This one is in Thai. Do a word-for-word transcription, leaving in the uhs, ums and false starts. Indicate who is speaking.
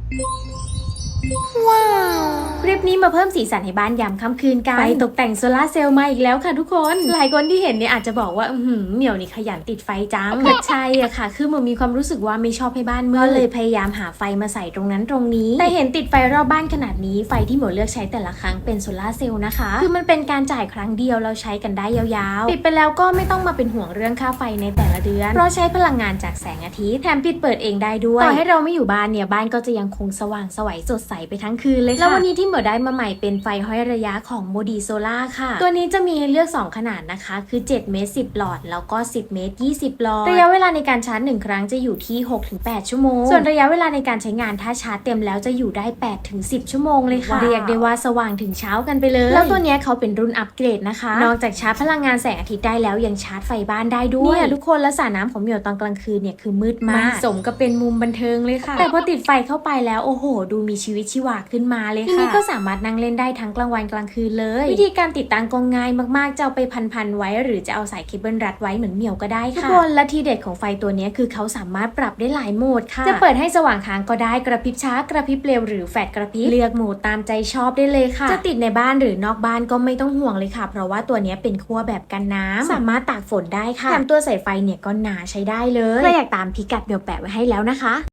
Speaker 1: ว้าวคลิปนี้มาเพิ่มสีสันให้บ้านยามค่ำคืนกันไฟตกแต่งโซลาร์เซลล์มาอีกแล้วค่ะทุกคนหลายคนที่เห็นเนี่ยอาจจะบอกว่าอืมเหมียวนี่ขยันติดไฟจังก็ใช่อะค่ะคือเหมือนมีความรู้สึกว่าไม่ชอบให้บ้านมืดก็เลยพยายามหาไฟมาใส่ตรงนั้นตรงนี้แต่เห็นติดไฟรอบบ้านขนาดนี้ไฟที่เหมียวเลือกใช้แต่ละครั้งเป็นโซลาร์เซลล์นะคะคือมันเป็นการจ่ายครั้งเดียวเราใช้กันได้ยาวๆปิดไปแล้วก็ไม่ต้องมาเป็นห่วงเรื่องค่าไฟในแต่ละเดือนเพราะใช้พลังงานจากแสงอาทิตย์แถมปิดเปิดเองได้ด้วยต่อให้เราไม่อยู่บ้านเนี่ยบ้านก็จะยังคงสว่างไสวสดใสไปทั้งคืนเลยค่ะแล้ววันนี้ที่เหมียวได้มาใหม่เป็นไฟห้อยระยะของโมดีโซล่าค่ะตัวนี้จะมีให้เลือกสองขนาดนะคะคือเจ็ดเมตรสิบหลอดแล้วก็สิบเมตรยี่สิบหลอดระยะเวลาในการชาร์จหนึ่งครั้งจะอยู่ที่ หกถึงแปด ชั่วโมงส่วนระยะเวลาในการใช้งานถ้าชาร์จเต็มแล้วจะอยู่ได้ แปดถึงสิบ ชั่วโมงเลยค่ะเรียกได้ว่าสว่างถึงเช้ากันไปเลยแล้วตัวนี้เขาเป็นรุ่นอัปเกรดนะคะนอกจากชาร์จพลังงานแสงอาทิตย์ได้แล้วยังชาร์จไฟบ้านได้ด้วยเนี่ยทุกคนและสระน้ำของเหมียวตอนกลางคืนเนี่ยคือมืดมากสมกับเป็นมุมบันเทิงเลยค่ะแต่พอติดไฟเข้าไปแล้วโอ้โหดูมีชีวิตชีวาขึ้นมาเลยค่ะทีนี้ก็สามารถนั่งเล่นได้ทั้งกลางวันกลางคืนเลยวิธีการติดตั้งก็ง่ายมากๆจะเอาไปพันๆไว้หรือจะเอาสายเคเบิลรัดไว้เหมือนเหมียวก็ได้ค่ะทุกคนและทีเด็ดของไฟตัวนี้คือเขาสามารถปรับได้หลายโหมดค่ะจะเปิดให้สว่างค้างก็ได้กระพริบช้ากระพริบเร็วหรือแฟลชกระพริบเลือกโหมดตามใจชอบได้เลยค่ะจะติดในบ้านหรือนอกบ้านก็ไม่ต้องห่วงเลยค่ะเพราะว่าตัวนี้เป็นขั้วแบบกันน้ำสามารถตากฝนได้ค่ะแถมตัวสายไฟเนี่ยก็หนาใช้ได้เลยใครอยากตามพิกัดเดี๋ยวแปะไว้ให้แล้วนะคะ